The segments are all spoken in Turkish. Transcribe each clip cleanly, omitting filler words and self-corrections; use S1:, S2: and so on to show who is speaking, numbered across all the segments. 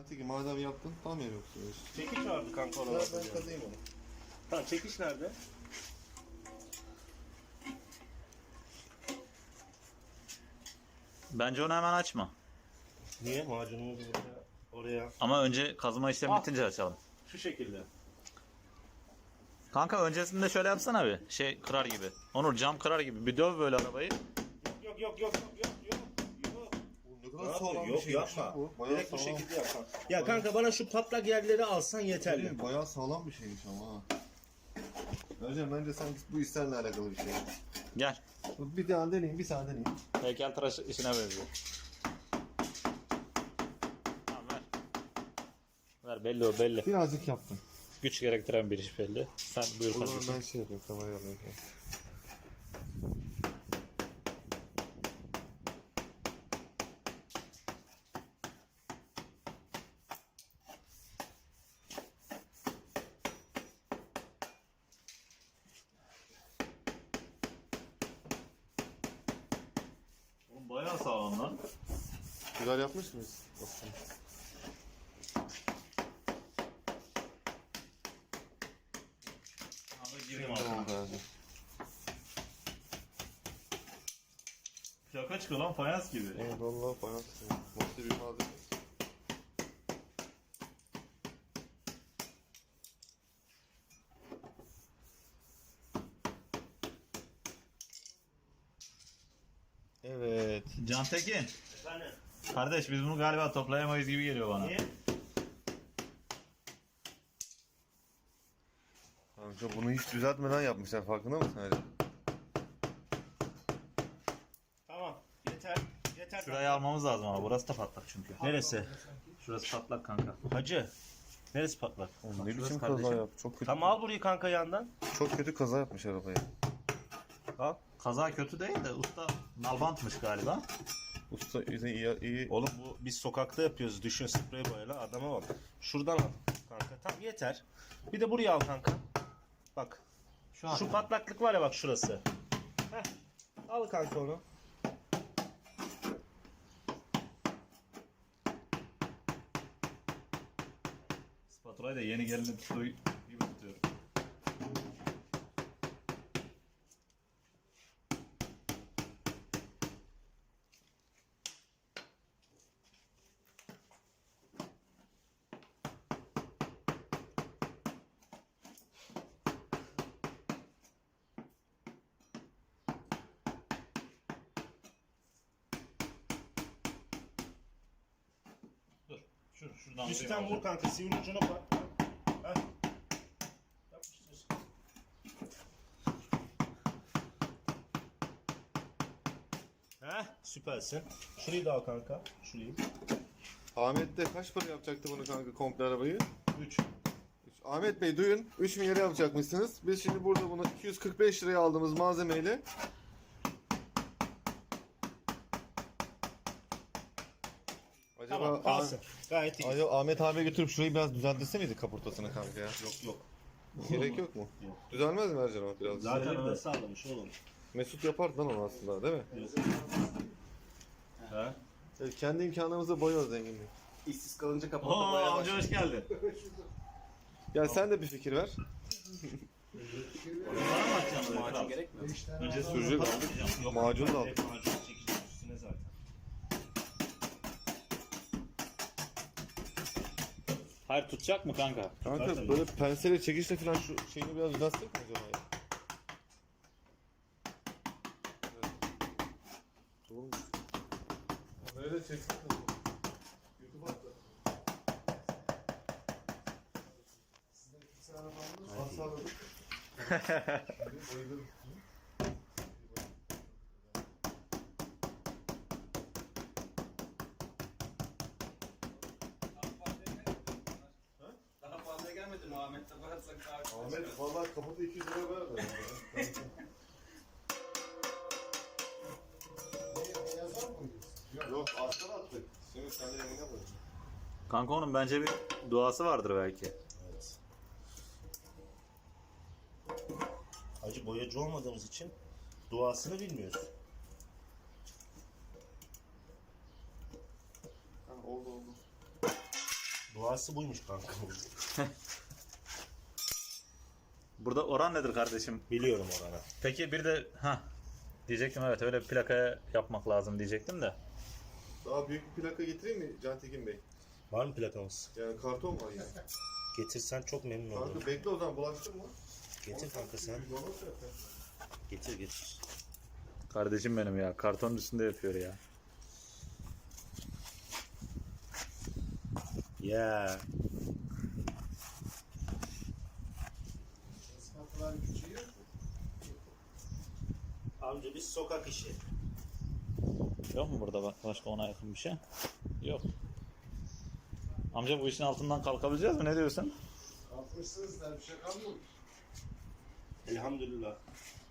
S1: Teki madem yaptın tam yer yoksa.
S2: Çekiç vardı kanka ona.
S1: Ben kazıyım onu.
S2: Tamam çekiç nerede?
S3: Bence onu hemen açma.
S2: Niye? Macunumuzu oraya.
S3: Ama önce kazıma işlemi
S2: Ah.
S3: bitince açalım.
S2: Şu şekilde.
S3: Kanka öncesinde şöyle yapsana bir. Şey kırar gibi. Onur cam kırar gibi. Bir döv böyle arabayı.
S2: Yok.
S1: Ne kadar sağlam bir
S2: Yok
S1: şeymiş
S2: yapma.
S1: bu. Bayağı
S2: Direkt bu
S1: sağlam.
S2: şekilde yap kanka. Ya kanka bana şu patlak yerleri alsan yeterli.
S1: Bayağı sağlam bir şeymiş ama ha. Ercan bence sanki bu işlerle alakalı bir şey.
S3: Gel.
S1: Bir tane deneyeyim, bir tane deneyeyim.
S3: Heykeltıraş işine benziyor. Tamam ver. Ver belli o belli.
S1: Birazcık yaptım.
S3: Güç gerektiren bir iş belli. Sen buyur
S1: O zaman
S3: kardeşim.
S1: ben şey yapayım, kamerayı alayım.
S3: Oğlum bayağı sağlam lan.
S1: Güzel yapmış mıyız? Aslında.
S3: Gireyim
S1: Tamam Ercan.
S3: Şaka çıkıyor lan fayans gibi.
S1: Evet valla fayans. Nasıl bir malzeme. Evet.
S3: Cantekin.
S2: Efendim?
S3: Kardeş biz bunu galiba toplayamayız gibi geliyor bana.
S2: Niye?
S1: Kanka bunu hiç düzeltmeden yapmışlar, farkında mısın Ercan?
S2: Tamam. Yeter.
S3: Şurayı almamız lazım ama burası da patlak çünkü.
S2: Neresi?
S3: Şurası patlak kanka.
S2: Hacı. Neresi patlak?
S1: Oğlum ne
S3: şurası
S1: biçim
S3: kardeşim.
S1: kaza yap? Çok kötü.
S2: Tamam al burayı kanka yandan.
S1: Çok kötü kaza yapmış arabayı.
S2: Al.
S3: Kaza kötü değil de usta nalbantmış galiba.
S1: Usta iyi.
S2: Oğlum bu biz sokakta yapıyoruz. Düşün sprey boyayla adama bak. Şuradan al kanka. Tamam yeter. Bir de buraya al kanka. Bak. Şu patlaklık var ya bak şurası. Heh. Al kanka onu.
S3: Spatulayı da yeni gelini tuttuğu gibi tutuyorum. Dur. Şuradan
S2: Üstten vur kanka. Sivri ucuna bak. Heh. Yapıştır. Heh, süpersin. Şurayı da al kanka. Şurayı.
S1: Ahmet de kaç para yapacaktı bunu kanka, komple arabayı?
S2: 3.
S1: Ahmet Bey duyun, 3 milyara yapacakmışsınız. Biz şimdi burada bunu 245 liraya aldığımız malzemeyle acaba
S2: Tamam kalsın. Gayet iyi.
S1: Acaba Ahmet abiye götürüp şurayı biraz düzelttirse miydi kaportasını kanka ya?
S2: Yok.
S1: Gerek yok mu?
S2: Yok.
S1: Düzelmez mi Ercan abi biraz?
S2: Zaten öyle sağlamış oğlum.
S1: Mesut yapardı lan onu aslında, değil mi?
S2: Ha?
S1: Evet, kendi imkanlarımızla boyuyoruz zenginliği.
S2: İşsiz kalınca
S3: Oo
S2: kapattı
S3: amca hoş geldin.
S1: Ya sen de bir fikir ver.
S3: Bana mı atacaksın böyle?
S2: Macun gerekmiyor.
S3: Önce
S1: Sürücü aldık.
S2: Yok.
S1: Macun da aldık.
S2: Hep macun çekeceğiz üstüne zaten.
S3: Hayır tutacak mı kanka?
S1: Kanka
S2: Zaten
S1: böyle pensele çekişle falan şu şeyini biraz düzeltsek mi acaba ya? Doğru mu? Böyle çeksin mi? YouTube'a attı. Sizden kimse arabanınız sağladık. Bayılırım.
S4: Daha fazla gelmedi mi Ahmet'te varsak daha
S1: Ahmet vallahi kapıda 200 lira ver. Yok aslan attık. Senin sen de yanına bak.
S3: Kanka onun bence bir duası vardır belki.
S2: Evet. Hacı boyacı olmadığımız için duasını bilmiyoruz.
S1: Ha, oldu.
S2: Havası buymuş kanka.
S3: Burada oran nedir kardeşim?
S2: Biliyorum oranı.
S3: Peki bir de diyecektim, evet, öyle bir plakaya yapmak lazım diyecektim de.
S1: Daha büyük bir plaka getireyim mi Can Tekin Bey?
S2: Var mı plakamız?
S1: Yani karton var yani.
S2: Getirsen çok memnun olurum.
S1: Kanka bekle o zaman bulaştırma.
S2: Getir kanka sen. Getir getir.
S3: Kardeşim benim ya, kartonun üstünde yapıyor ya.
S2: Ya. Amca biz sokak işi.
S3: Yok mu burada başka ona yakın bir şey? Yok. Amca bu işin altından kalkabileceğiz mi? Ne diyorsun?
S5: Kalkmışsınız da bir şey kalmamış.
S2: Elhamdülillah.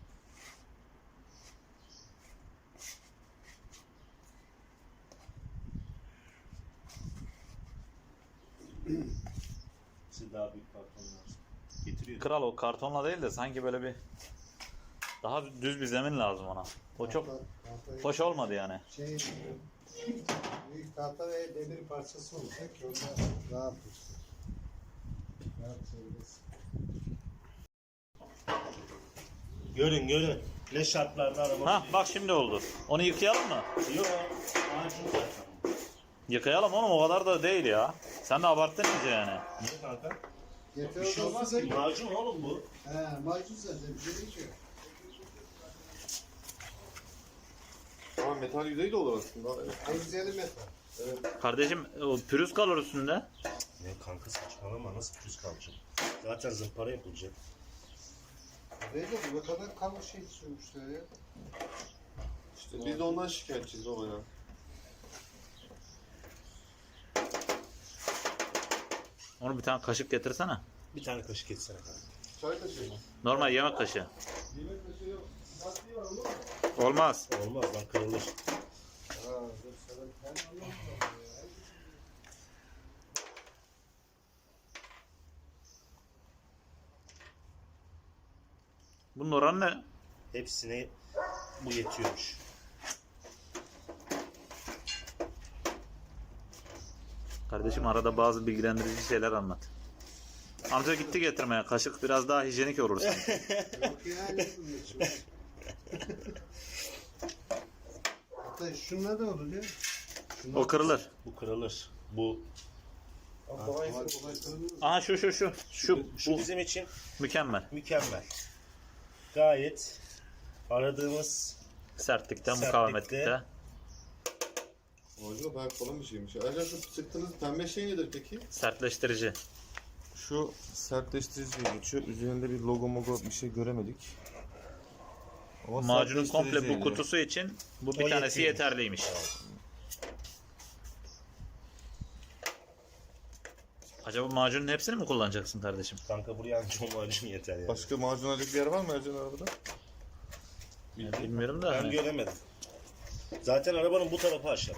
S2: Size daha büyük karton lazım. Getiriyor.
S3: Kral, o kartonla değil de sanki böyle bir daha düz bir zemin lazım ona. O çok hoş olmadı yani.
S5: Büyük tahta ve demir parçası olacak ki orada rahat dursun. Rahat söylesin.
S2: Görün. Ne şartlarda araba.
S3: Ha bak şimdi oldu. Onu yıkayalım mı?
S2: Yok. Macun zaten.
S3: Yıkayalım oğlum, o kadar da değil ya. Sen de abarttın iyice yani.
S2: Niye kanka?
S5: Yeter
S2: Bir şey olmaz ki. Macun oğlum bu.
S5: He, macun zaten bir şey değil ki.
S1: Ama metal yüzeyi de olur aslında. Evet.
S5: En güzeli metal.
S3: Kardeşim o pürüz kalır üstünde.
S2: Ne kanka saçmalama, nasıl pürüz kalacak? Zaten zımpara yapılacak.
S5: Değil de bu kadar kalın şey sürmüşler ya.
S1: İşte biz de ondan şikayetçiyiz baba ya.
S3: Onu bir tane kaşık getirsene.
S2: Bir tane kaşık etsene kanka.
S1: Çay kaşığı mı?
S3: Normal yemek kaşığı.
S1: Yemek kaşığı yok. Lastiği var olur mu?
S3: Olmaz.
S2: Olmaz lan, kırılır.
S5: Ha, dur sana bir tane anlamadım ya.
S3: Bunun oranı ne?
S2: Hepsine bu yetiyormuş.
S3: Kardeşim arada bazı bilgilendirici şeyler anlat. Amca gitti getirmeye. Kaşık biraz daha hijyenik olur sanki.
S5: Yok ya, ne bunun için? Hatta şunlar da olur ya. Şunlar
S3: O kırılır.
S2: Bu kırılır. Bu
S1: Ama
S5: kolay
S1: kolay
S5: kolay kırılmaz.
S3: Aha şu.
S2: şu
S3: Bu
S2: bizim için
S3: mükemmel.
S2: mükemmel. Gayet aradığımız
S3: Sertlikte,
S2: Sertlikte.
S3: mukavemetlikte.
S1: Orijinal bayağı kalın bir şeymiş. Ayrıca şu sıktığınız pembe şey nedir peki?
S3: Sertleştirici.
S1: Şu sertleştirici diye geçiyor. Üzerinde bir logo bir şey göremedik. Ama
S3: Macunun komple
S1: sertleştirici
S3: bu
S1: yani.
S3: kutusu için bu bir
S2: O
S3: tanesi
S2: yetiyor.
S3: yeterliymiş. Acaba macunun hepsini mi kullanacaksın kardeşim?
S2: kanka buraya ancak o macun yeter yani.
S1: Başka macun alacak bir yer var mı Ercan arabada?
S3: Bilmiyorum da.
S2: Ben
S3: hani.
S2: göremedim. Zaten arabanın bu tarafı aşağı.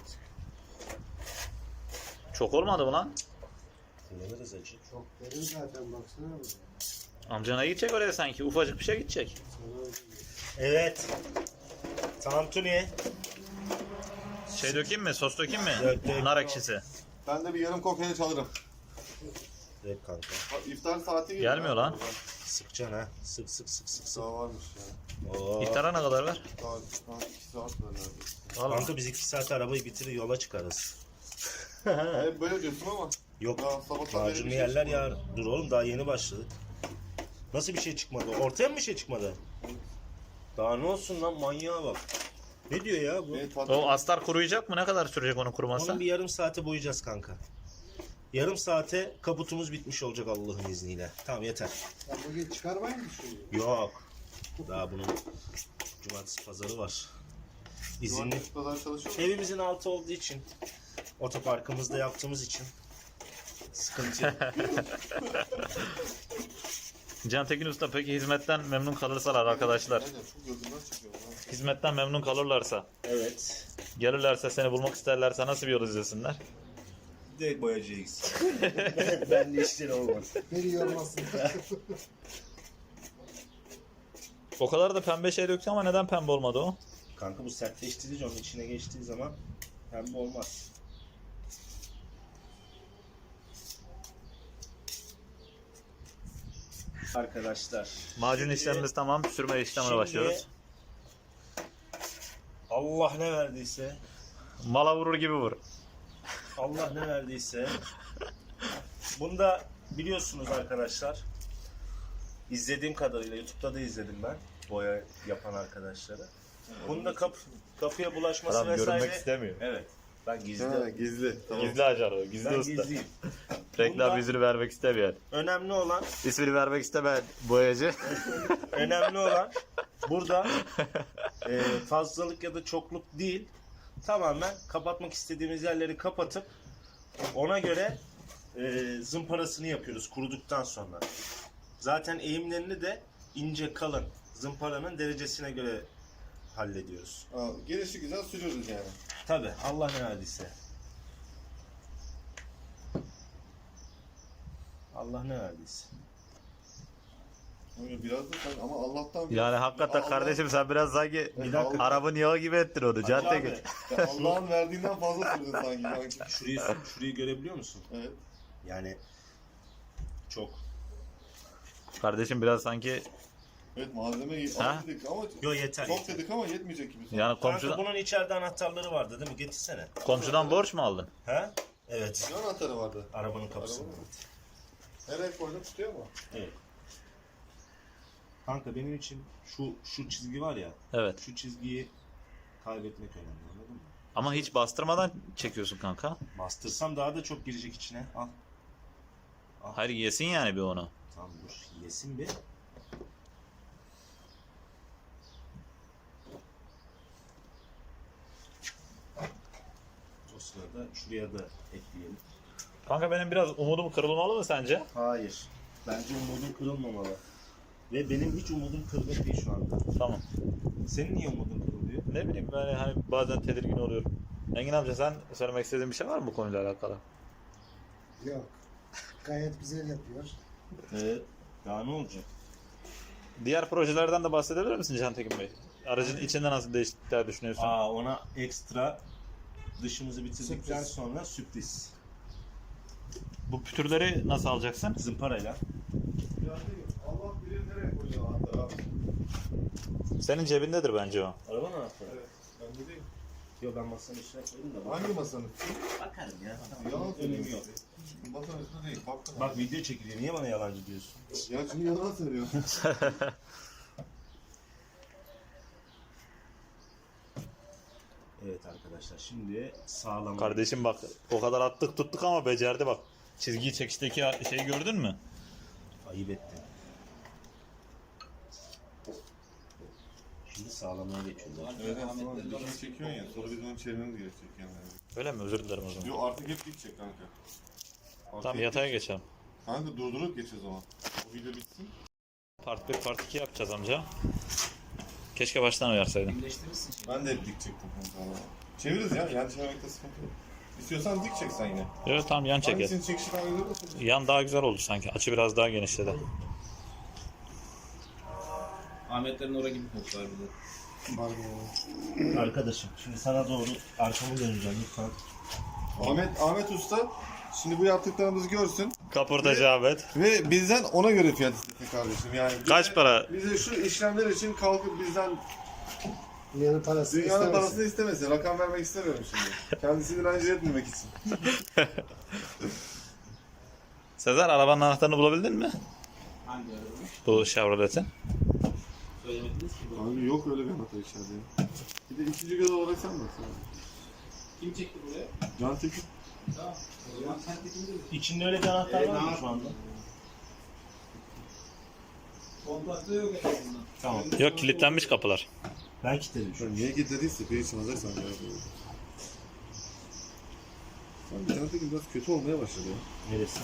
S3: Çok olmadı mı lan?
S2: Kullanırız acı.
S5: Çok derin zaten baksana buraya.
S3: Amcana gidecek oraya sanki. Ufacık bir şey gidecek.
S5: Sana
S2: Evet. Tantuni.
S3: Şey dökeyim mi? Sos dökeyim mi?
S2: Dök.
S3: Nar ekşisi.
S1: Ben de bir yarım kokoreç alırım.
S2: Evet kanka.
S1: İftar saati geliyor.
S3: Gelmiyor lan.
S2: Sıkacaksın ha. Sık.
S1: Daha varmış ya.
S2: Oo.
S3: İftara ne kadar var?
S1: Daha 2 saat var neredeyse.
S3: Vallahi.
S2: Kanka biz 2 saat arabayı bitirir yola çıkarız.
S1: Hep böyle diyorsun ama.
S2: Yok.
S1: Daha sabahtan beri
S2: Macunlu
S1: bir şey
S2: yerler
S1: çıkmadı.
S2: ya. Dur oğlum daha yeni başladık. Nasıl bir şey çıkmadı? Ortaya mı bir şey çıkmadı? Daha ne olsun lan, manyağa bak. Ne diyor ya bu?
S1: Evet, tadı-
S3: O astar kuruyacak mı? Ne kadar sürecek onun kuruması?
S2: Onu bir yarım saate boyayacağız kanka. Yarım saate kaputumuz bitmiş olacak Allah'ın izniyle. Tamam yeter.
S5: Sen bugün çıkarmayı mı düşünüyorsun?
S2: Yok. Daha bunun cumartesi pazarı var. İzinli.
S1: Cumartesi pazar çalışıyor mu?
S2: Evimizin altı olduğu için, otoparkımızda yaptığımız için sıkıntı yok.
S3: Can Tekin Usta peki hizmetten memnun kalırsalar arkadaşlar.
S1: Aynen çok gözümden çıkıyor. Lan.
S3: Hizmetten memnun kalırlarsa,
S2: Evet.
S3: gelirlerse seni bulmak isterlerse nasıl bir yol izlesinler?
S2: Direkt boyacıya gitsin. Ben de işleri olmaz.
S5: Beni yormasın.
S3: O kadar da pembe şey döktü ama neden pembe olmadı o?
S2: Kanka bu sertleştirici onun içine geçtiği zaman pembe olmaz. Arkadaşlar.
S3: Macun işlemimiz tamam. Sürme işlemine başlıyoruz.
S2: Allah ne verdiyse,
S3: Mala vurur gibi vur.
S2: Allah ne verdiyse. Bunda biliyorsunuz arkadaşlar. İzlediğim kadarıyla YouTube'da da izledim ben boya yapan arkadaşları. Bunda kapıya bulaşması
S3: Adam
S2: vesaire.
S3: görünmek istemiyor.
S2: Evet. Ben gizli.
S1: Ha, gizli. Tamam.
S3: Gizli acar o. Gizli
S2: Ben
S3: usta.
S2: gizliyim.
S3: Reklam
S2: Bunda-
S3: yüzünü vermek istemeyen.
S2: Önemli olan
S3: İsmini vermek istemeyen boyacı.
S2: önemli olan burada fazlalık ya da çokluk değil. Tamamen kapatmak istediğimiz yerleri kapatıp ona göre zımparasını yapıyoruz kuruduktan sonra. Zaten eğimlerini de ince kalın zımparanın derecesine göre hallediyoruz.
S1: Gelişi güzel sürüyoruz yani.
S2: Tabi Allah ne verdiyse. Allah ne verdiyse.
S1: Öyle biraz da sen ama Allah'tan
S3: Yani hakikaten
S1: Allah-
S3: kardeşim sen biraz sanki
S1: Bir dakika.
S3: Arap'ın yağı gibi ettin onu. Cadde
S2: Abi,
S3: git.
S1: Ya Allah'ın verdiğinden fazla sürdün sanki.
S2: şurayı görebiliyor musun?
S1: Evet.
S2: Yani çok.
S3: Kardeşim biraz sanki
S1: Evet malzemeyi
S3: Ha?
S1: az dedik ama
S2: Yo yeter.
S1: çok
S2: yeter.
S1: dedik ama yetmeyecek gibi.
S3: yani
S2: Kanka bunun içeride anahtarları vardı değil mi? Getirsene.
S3: komşudan borç mu aldın?
S2: He? Evet.
S1: Ne anahtarı vardı?
S2: Arabanın kapısında.
S1: Arabanın. Nereye koydun tutuyor mu?
S2: Evet. Kanka benim için şu çizgi var ya.
S3: Evet.
S2: Şu çizgiyi kaybetmek önemli, anladın mı?
S3: Ama hiç bastırmadan çekiyorsun kanka.
S2: Bastırsam daha da çok girecek içine. Al.
S3: Hayır yesin yani bir onu.
S2: Tamam dur. Yesin bir. O sırada şuraya da ekleyelim.
S3: Kanka benim biraz umudum kırılmalı mı sence?
S2: Hayır. Bence umudun kırılmamalı. Ve benim hiç umudum kırılır değil şu anda.
S3: Tamam.
S2: Senin niye umudun kırılıyor?
S3: Ne bileyim ben hani bazen tedirgin oluyorum. Engin amca sen söylemek istediğin bir şey var mı bu konuyla alakalı?
S5: Yok. Gayet güzel yapıyor.
S2: Evet. Daha ne olacak?
S3: Diğer projelerden de bahsedebilir misin Cantekin Bey? Aracın içinde nasıl değişiklikler düşünüyorsun?
S2: Ona ekstra dışımızı bitirdikten
S5: Sürpriz.
S2: sonra sürpriz.
S3: Bu pütürleri nasıl alacaksın?
S2: Zımparayla.
S1: Allah bilir nereye koyuyor anahtarı abi.
S3: Senin cebindedir bence o.
S2: Arabanın anahtarı.
S1: Evet. Ben de değil.
S2: Yok ben masanın üstüne koydum da.
S1: Hangi masanın?
S2: Bakarım ya.
S1: Yalan
S2: Önemi yok.
S1: söylüyorsun. Masanın üstünde değil. Baktın
S2: Bak video çekiliyor. Niye bana yalancı diyorsun?
S1: Ya çünkü yalan söylüyorsun.
S2: Evet arkadaşlar şimdi sağlam.
S3: Kardeşim bak o kadar attık tuttuk ama becerdi bak. Çizgiyi çekişteki şeyi gördün mü?
S2: Ayıp ettin. Şimdi sağlamaya geçiyoruz.
S1: Evet aslında dikini çekiyorsun ya. Sonra biz onu çevirmemiz gerekecek yani.
S3: Öyle mi? Özür dilerim o zaman.
S1: Yo artık hep dik çek kanka. Artık
S3: Tamam
S1: hep
S3: yataya
S1: dik çek.
S3: geçelim.
S1: Kanka durdurup geç o zaman. O video bitsin.
S3: Part 1 part 2 yapacağız amca. Keşke baştan uyarsaydın.
S4: Birleştirirsin şimdi.
S1: Ben de hep dik çektim kanka. Çeviririz ya. Yani çevirmekte sıkıntı yok. İstiyorsan dik çek sen yine.
S3: Evet tamam yan çeker.
S1: Hangisinin çekişi daha güzel olsun?
S3: Yan daha güzel oldu sanki. Açı biraz daha genişledi.
S4: Ahmetlerin oraya gibi koklar bir de.
S2: Arkadaşım şimdi sana doğru arkamı döneceğim lütfen.
S1: Ahmet Usta şimdi bu yaptıklarımızı görsün
S3: Kaportacı Ahmet.
S1: ve bizden ona göre fiyat istesin kardeşim. Yani
S3: Kaç para?
S1: Bize şu işlemler için kalkıp bizden
S5: Dünyanın parası
S1: dünyanın
S5: istemesin.
S1: parasını istemesin. Rakam vermek istemiyorum şimdi. Kendisini rencide etmemek için.
S3: Sezer arabanın anahtarını bulabildin mi?
S4: Hangi araba?
S3: Bu Chevrolet'in.
S4: Söylemediniz ki.
S1: Abi yok öyle bir anahtar içeride. Bir de ikinci göz olarak sen bak.
S4: Kim çekti buraya?
S1: Can Tekin.
S4: Tamam. O zaman sen tekin mi?
S2: İçinde öyle bir anahtar var mı şu anda?
S4: Kontakta yok en azından.
S2: Tamam.
S3: Yok kilitlenmiş kapılar.
S2: Ben kilitledim şu an.
S1: Niye kilitlediyse bir için hazırsan ya. Abi Can Tekin biraz kötü olmaya başladı ya.
S2: Neresi?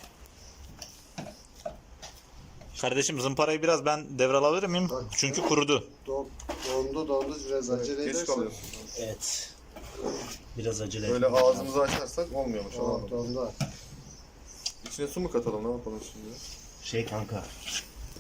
S3: Kardeşim zımparayı biraz ben devralabilir miyim? Çünkü kurudu.
S5: Dondu biraz acele
S1: Geç
S5: edersen.
S1: kalıyorsun.
S2: Evet. Biraz acele
S1: Böyle
S2: etmem lazım.
S1: ağzımızı açarsak olmuyormuş.
S5: Tamam dondu.
S1: İçine su mu katalım ne yapalım şimdi?
S2: Şey kanka.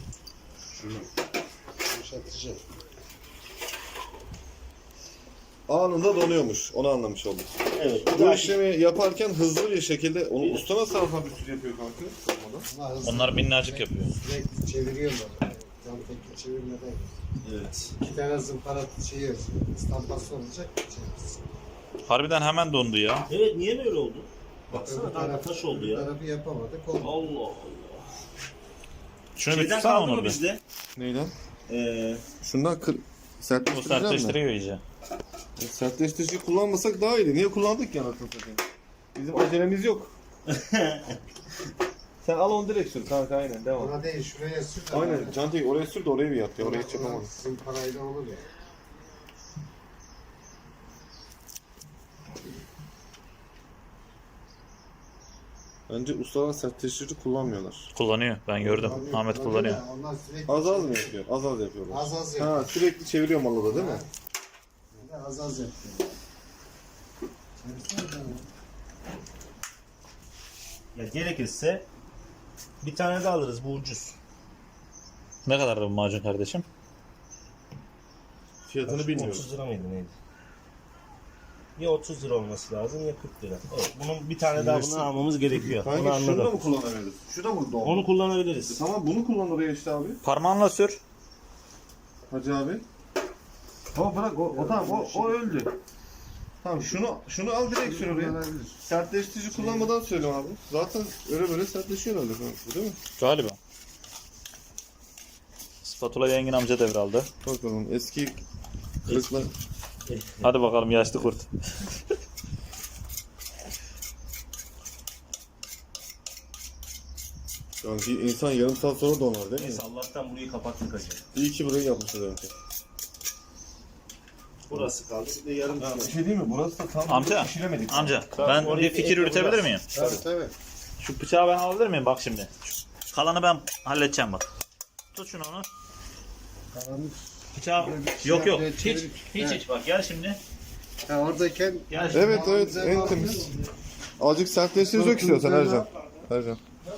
S5: Yumuşatıcı.
S1: anında donuyormuş. Onu anlamış olduk.
S2: Evet.
S1: Bu işlemi yaparken hızlı bir şekilde onu usta nasıl alfa bir sürü yapıyor kanka? Sormadan.
S5: Ama hızlı
S3: Onlar minnacık yapıyor.
S5: sürekli çeviriyorlar. Cam tekli çevirmeden.
S2: Evet.
S5: 2 tane zımpara şeyi yazıyor. İstampası olacak. Çevirsin.
S3: Harbiden hemen dondu ya.
S2: Evet, niye böyle oldu?
S5: Öbür
S2: Baksana kanka taş oldu
S5: öbür
S2: ya.
S5: tarafı yapamadık. Oldu.
S2: Allah Allah.
S3: Şunu bir
S2: Şeyden
S3: tutsana
S2: kaldı
S3: onu
S2: mı
S3: bir.
S2: bizde?
S1: Neyle?
S2: Ee,
S1: Şundan
S3: Bu
S1: sertleştireceğim mi?
S3: sertleştiriyor iyice.
S1: Sertleştirici kullanmasak daha iyiydi. Niye kullandık ya anasını satayım? Bizim acelemiz yok. Sen al onu direkt sür kanka, aynen devam.
S5: Ona değil şuraya sür. de
S1: Aynen
S5: böyle.
S1: Cantik oraya sür de orayı bir yap ya. Oraya hiç
S5: Ona
S1: yapamadım.
S5: zımparayla olur ya.
S1: Bence ustalar sertleştirici kullanmıyorlar.
S3: Kullanıyor. Ben gördüm. Ahmet kullanıyor.
S5: Ya, onlar sürekli
S1: Az az mı yapıyor? Az az yapıyorlar.
S5: Az az yapıyor.
S1: Ha, sürekli çeviriyor malı da değil mi?
S5: Az az yapıyor. Çevirsene canım.
S2: ya gerekirse bir tane de alırız, bu ucuz.
S3: Ne kadar bu macun kardeşim?
S1: Fiyatını bilmiyorum.
S2: 30 lira mıydı neydi? Ya 30 lira olması lazım ya 40 lira. Evet, bunun bir tane daha bunu almamız gerekiyor. Onu
S1: Kanka şunu da
S2: anladım.
S1: mı kullanabiliriz? Şu da mı doğru?
S2: Onu kullanabiliriz.
S1: Tamam bunu kullan oraya işte abi.
S3: Parmağınla sür.
S1: Hacı abi. O bırak o tamam o öldü. Tamam şunu al direkt sür oraya.
S5: Kullanabilir.
S1: Sertleştirici kullanmadan söyle abi. Zaten öyle böyle sertleşiyor öyle değil mi?
S3: Galiba. Spatulayı Engin amca devraldı.
S1: Bakalım eski kırıklar.
S3: Hadi bakalım yaşlı kurt.
S1: Yani bir insan yarım saat sonra donar değil mi?
S2: Neyse Allah'tan burayı kapattık hacı.
S1: İyi ki burayı yapmışlar önce.
S2: Burası kaldı, bir de yarım kaldı.
S1: Bir şey değil mi? Burası da tam
S3: Amca,
S1: pişiremedik.
S3: amca
S2: Tabii,
S3: ben
S2: orayı
S3: bir fikir
S2: ekle
S3: üretebilir
S2: biraz.
S3: miyim?
S5: Tabii.
S3: Şu bıçağı ben alabilir miyim? Bak şimdi. Şu kalanı ben halledeceğim bak. Tut şunu onu.
S5: Karanlık.
S3: Bıçağı...
S5: Böyle bir
S3: Yok
S5: şey
S3: yok.
S5: yapmaya
S3: Hiç
S5: çevirip-
S3: hiç
S5: Evet.
S3: hiç bak gel şimdi.
S5: Ha, oradayken
S3: Gel şimdi.
S1: Evet evet en temiz. Azıcık sertleştirici dök istiyorsan Ercan. Ercan.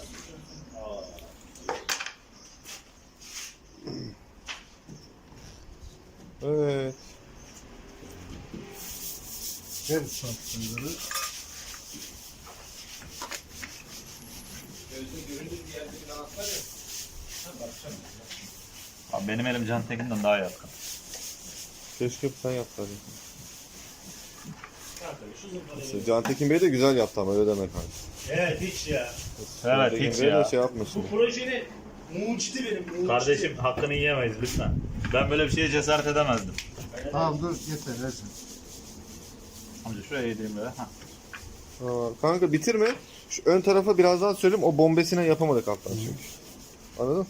S1: Evet.
S5: ver sapları.
S3: Abi benim elim Can Tekin'den daha yatkın.
S1: Keşke sen yapsaydın. İşte Can Tekin Bey de güzel yaptı ama öyle deme kanka.
S2: Evet hiç ya.
S1: Can
S3: Evet
S1: Tekin
S3: hiç
S1: Bey de
S3: ya.
S1: şey yapmasın.
S2: Bu projenin mucidi benim. Mucidi.
S3: Kardeşim hakkını yiyemeyiz lütfen. Ben böyle bir şeye cesaret edemezdim.
S5: Tamam dur yeter Ercan.
S3: Amca şuraya yedireyim böyle. Hah.
S1: Aa, kanka bitirme. Şu ön tarafa biraz daha söyleyeyim. O bombesine yapamadık alttan çünkü. Anladın?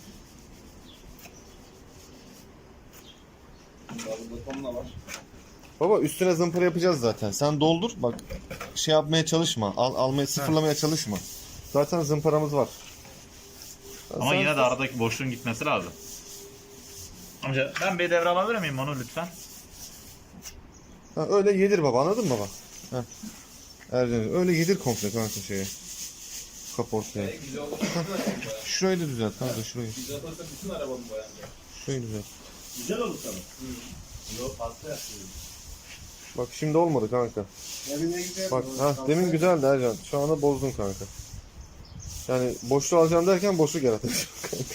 S1: Baba üstüne zımpara yapacağız zaten. Sen doldur. Bak şey yapmaya çalışma. Almaya sıfırlamaya çalışma. Zaten zımparamız var.
S3: Ama
S1: Sen-
S3: yine de aradaki boşluğun gitmesi lazım. Amca ben bir devre alabilir miyim onu lütfen?
S1: Ha, öyle yedir baba, anladın mı baba? Heh. Ercan öyle yedir komple kanka şeye. Kaportaya. Şurayı da düzelt kanka şurayı.
S4: Güzel olursa bütün arabamı boyanacak.
S1: Şurayı düzelt.
S2: Güzel olur sana. Yok fazla yapıyorum.
S1: Bak şimdi olmadı kanka.
S5: Demin ne güzel.
S1: Bak
S5: oldu.
S1: ha
S5: Kalsaydı-
S1: demin güzeldi Ercan. Şu anda bozdun kanka. Yani boşluğu alacağım derken boşluk yaratacağım kanka.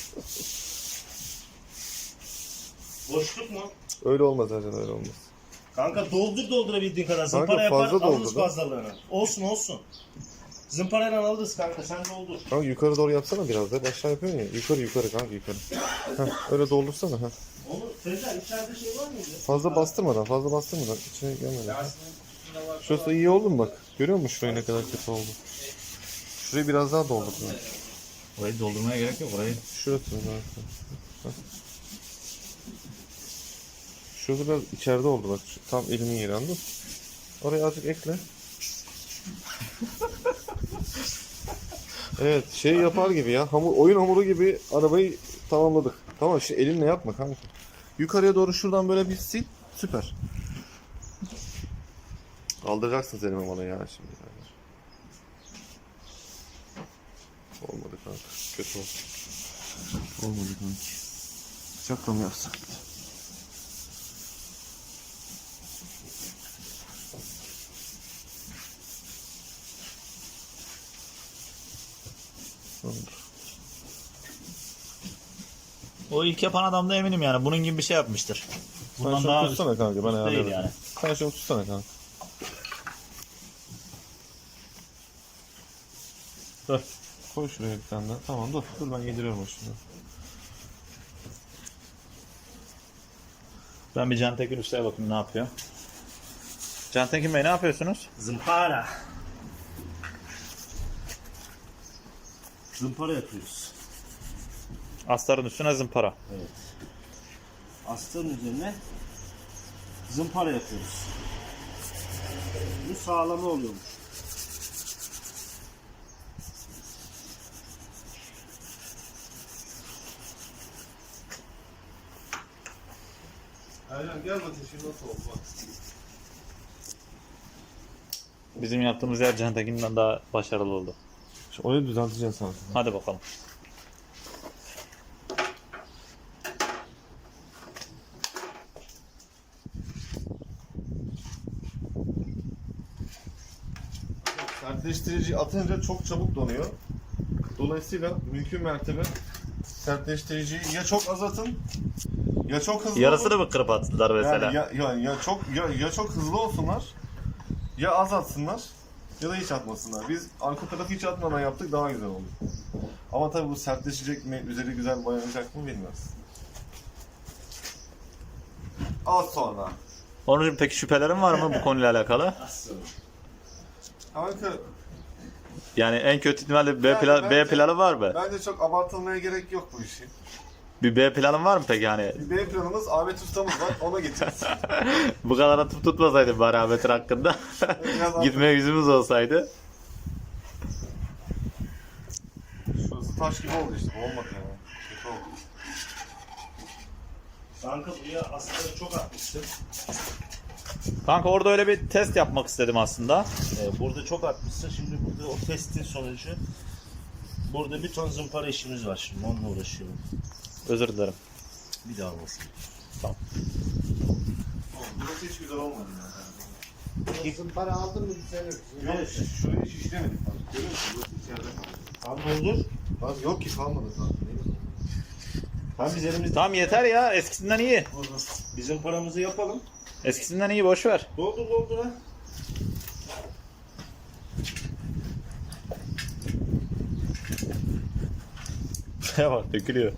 S2: Boşluk mu?
S1: Öyle olmaz Ercan, öyle olmaz.
S2: Kanka doldurabildiğin kadar.
S1: Kanka,
S2: Zımpara yapar
S1: fazla
S2: alırız
S1: doldur.
S2: fazlalığını. Olsun. Zımparayla alırız kanka, sen doldur.
S1: Kanka yukarı doğru yapsana biraz da. Aşağı yapıyorsun ya. Yukarı kanka yukarı. Heh, öyle doldursana. Heh.
S2: Onu Sezer içeride şey var mıydı?
S1: Fazla bastırmadan içine gelmeden. Şurası iyi oldu mu bak? Görüyor musun şurayı ne kadar kötü oldu? Şurayı biraz daha doldur.
S3: Orayı doldurmaya gerek yok orayı.
S1: Şurası zaten. Heh. Şurası biraz içeride oldu bak. Tam elimin yeri, anladın mı? Oraya azıcık ekle. Evet şey yapar gibi ya. Oyun hamuru gibi arabayı tamamladık. Tamam şimdi elinle yapma kanka. Yukarıya doğru şuradan böyle bir sil. Süper. Kaldıracaksın seni bana ya şimdi. Olmadı kanka. Kötü oldu. Olmadı kanka. Bıçakla mı yapsak?
S3: O ilk yapan adam da eminim yani. Bunun gibi bir şey yapmıştır.
S1: Sen
S3: Bundan
S1: şunu
S3: daha
S1: tutsana kanka, ben
S3: değil
S1: ayarlarım.
S3: yani.
S1: Sen şunu tutsana kanka.
S3: Dur.
S1: Koy şuraya bir tane daha. Tamam dur ben yediriyorum o şimdi.
S3: Ben bir Can Tekin Usta'ya bakayım ne yapıyor. Can Tekin Bey ne yapıyorsunuz?
S2: Zımpara. Zımpara yapıyoruz.
S3: Astarın üstüne zımpara.
S2: Evet. Astarın üzerine zımpara yapıyoruz. Bu sağlamı oluyormuş.
S1: Ercan gel bakayım şimdi nasıl oldu bak.
S3: Bizim yaptığımız yer Can Tekin'den daha başarılı oldu.
S1: Orayı düzelteceksin sen.
S3: Hadi bakalım.
S1: Sertleştirici atınca çok çabuk donuyor. Dolayısıyla mümkün mertebe sertleştiriciyi ya çok az atın ya çok hızlı
S3: Yarısını
S1: olun.
S3: mı kırıp attılar mesela?
S1: Yani ya çok hızlı olsunlar ya az atsınlar ya da hiç atmasınlar. Biz arka tarafı hiç atmadan yaptık, daha güzel oldu. Ama tabii bu sertleşecek mi, üzeri güzel boyanacak mı bilmiyoruz. Az sonra.
S3: Onurcuğum peki şüphelerin var mı bu konuyla alakalı?
S1: Kanka
S3: Yani en kötü ihtimalle B,
S1: Yani
S3: B
S1: bence-
S3: planı var mı?
S1: bence çok abartılmaya gerek yok bu işin.
S3: Bir B planın var mı peki hani?
S1: Bir B planımız Ahmet Usta'mız var, ona gideceğiz.
S3: Bu kadar atıp tutmasaydı bari Ahmet'in hakkında.
S1: Biraz
S3: Gitmeye yüzümüz olsaydı.
S1: Şurası taş gibi oldu işte, bu olmadı yani. Kötü oldu.
S2: Kanka buraya astarı çok atmıştım.
S3: Kanka orada öyle bir test yapmak istedim aslında.
S2: Burada çok atmışsın. Şimdi burada o testin sonucu burada bir ton zımpara işimiz var şimdi. Onunla uğraşıyorum.
S3: Özür dilerim.
S2: Bir daha olmasın.
S1: Burası hiç güzel olmadı yani.
S5: Zımpara aldın mı düzelir.
S1: Yok, şurayı hiç işlemedik. Görüyor musun? Burası içeride kaldı.
S2: Tam doldur.
S1: Bak yok ki, kalmadı zaten.
S2: Tam biz elimizde.
S3: Tamam yeter ya, eskisinden iyi.
S2: Bizim paramızı yapalım.
S3: Eskisinden iyi, boş ver.
S2: Doldur ha.
S3: Bak dökülüyor.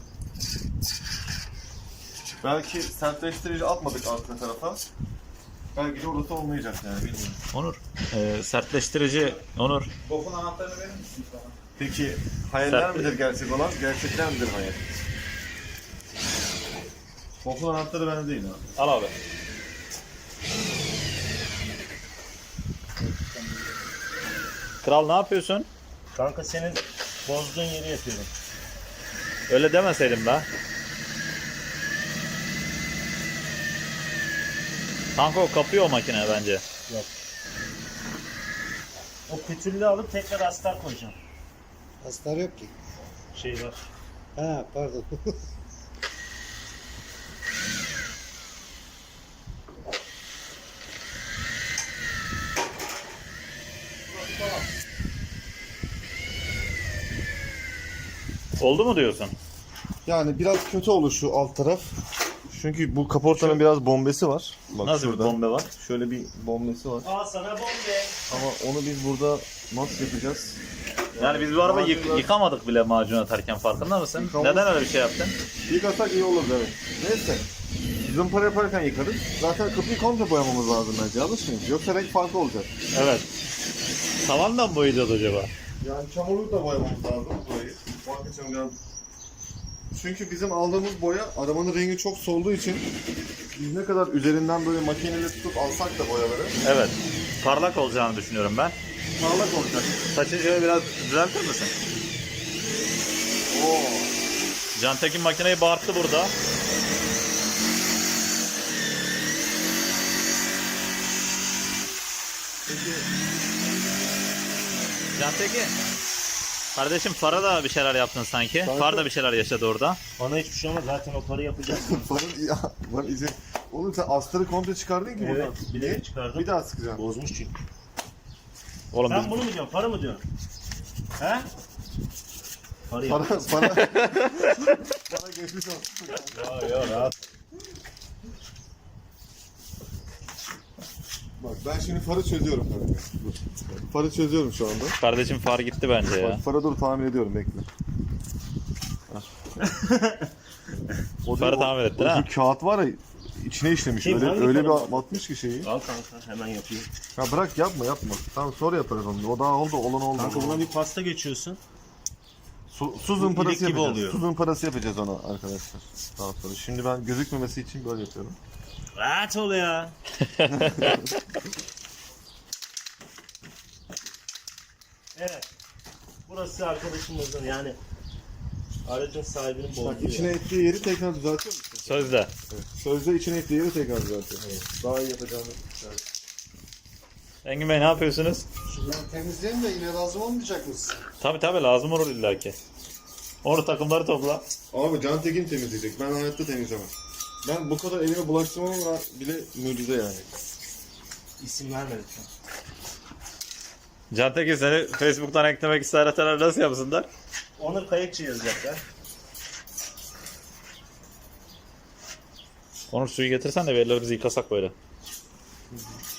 S1: Belki sertleştirici atmadık arka tarafa. Belki de orası olmayacak yani, bilmiyorum.
S3: Onur, sertleştirici Onur.
S4: Bokun anahtarını verir misin bana?
S1: Peki hayaller
S3: Sert-
S1: midir gerçek olan, gerçekten midir hayal? Bokun anahtarı bende değil ha.
S3: Al abi. Kral ne yapıyorsun?
S2: Kanka senin bozduğun yeri yapıyorum.
S3: Öyle demeseydim be. Kanka o kapıyor o makine bence.
S2: O pütürlüğü alıp tekrar astar koyacağım.
S5: Astar yok ki.
S2: Şey var.
S5: Ha pardon.
S3: Oldu mu diyorsun?
S1: Yani biraz kötü olur şu alt taraf. Çünkü bu kaportanın biraz bombesi var. Bak
S3: Nasıl
S1: şurada.
S3: bir bombe var?
S1: Şöyle bir bombesi var.
S2: Al sana bombe.
S1: Ama onu biz burada nasıl yapacağız?
S3: Yani biz bu arabayı
S1: Macunlar-
S3: yıkamadık bile macun atarken, farkında mısın?
S1: Yıkamadık.
S3: Neden öyle bir şey yaptın?
S1: Yıkasak iyi olur evet. Neyse. Zımpara yaparken yıkarız. Zaten kapıyı komple boyamamız lazım bence. Yanlış mıyım? Yoksa renk farkı olacak.
S3: Evet. Tavandan mı boyayacağız acaba?
S1: Yani çamurluk da boyamamız lazım burayı. Bak için biraz... Çünkü bizim aldığımız boya arabanın rengi çok solduğu için biz ne kadar üzerinden böyle makineyle tutup alsak da boyaları
S3: Evet. Parlak olacağını düşünüyorum ben.
S1: parlak olacak.
S3: Saçını şöyle biraz düzeltir misin?
S1: Oo.
S3: Can Tekin makineyi bağırttı burada.
S1: Peki
S3: Can Tekin. Kardeşim fara da bir şeyler yaptın sanki.
S1: Kanka-
S3: Far da bir şeyler yaşadı orada.
S2: Bana hiçbir şey olmaz. Zaten o parayı yapacağız.
S1: farın ya var izi. Oğlum sen astarı komple çıkardın ki
S2: Evet.
S1: buradan.
S2: Bilerek çıkardım.
S1: Bir daha sıkacağım.
S2: Bozmuş çünkü.
S3: Oğlum
S2: Sen
S3: biz...
S2: bunu mu diyorsun? Para mı diyorsun? He? Farı
S1: Para,
S2: yapacağız.
S1: para. Para geçmiş olsun.
S2: Ya rahat.
S1: Bak ben şimdi farı çözüyorum kanka. Dur. Farı çözüyorum şu anda.
S3: Kardeşim far gitti bence ya.
S1: Bak farı dur tahmin ediyorum bekle. O
S3: Farı tahmin ettin ha?
S1: Şu kağıt var ya içine işlemiş.
S2: Kim,
S1: Öyle,
S2: hangi
S1: öyle
S2: farı?
S1: bir atmış ki şeyi.
S2: Al kanka hemen yapayım.
S1: Ya bırak yapma. Tamam sonra yaparız onu. O daha oldu olan oldu.
S2: Kanka buna bir pasta geçiyorsun.
S1: Su zımparası
S2: ilik gibi
S1: yapacağız.
S2: oluyor.
S1: Su zımparası yapacağız ona arkadaşlar. Daha sonra. Şimdi ben gözükmemesi için böyle yapıyorum.
S2: Rahat ol ya. Evet. Burası arkadaşımızın yani aracın sahibinin
S1: Bak
S2: bulunduğu
S1: içine
S2: yer.
S1: ettiği yeri tekrar düzeltiyor musun?
S3: Sözde.
S1: Evet. Sözde içine ettiği yeri tekrar düzeltiyor. Daha iyi yapacağını.
S3: Engin Bey ne yapıyorsunuz?
S5: Şunları temizleyin de yine lazım olmayacak mısın?
S3: Tabi lazım olur illaki. Onu takımları topla.
S1: Abi Can Tekin temizleyecek. Ben hayatta temizlemem. Ben bu kadar elime bulaştırmam bile mucize yani.
S2: İsim vermedik.
S3: Cantekin seni Facebook'tan eklemek isterler nasıl yapsınlar?
S2: Onur Kayıkçı yazacaklar.
S3: Onur suyu getirsen de verilerimizi yıkasak böyle.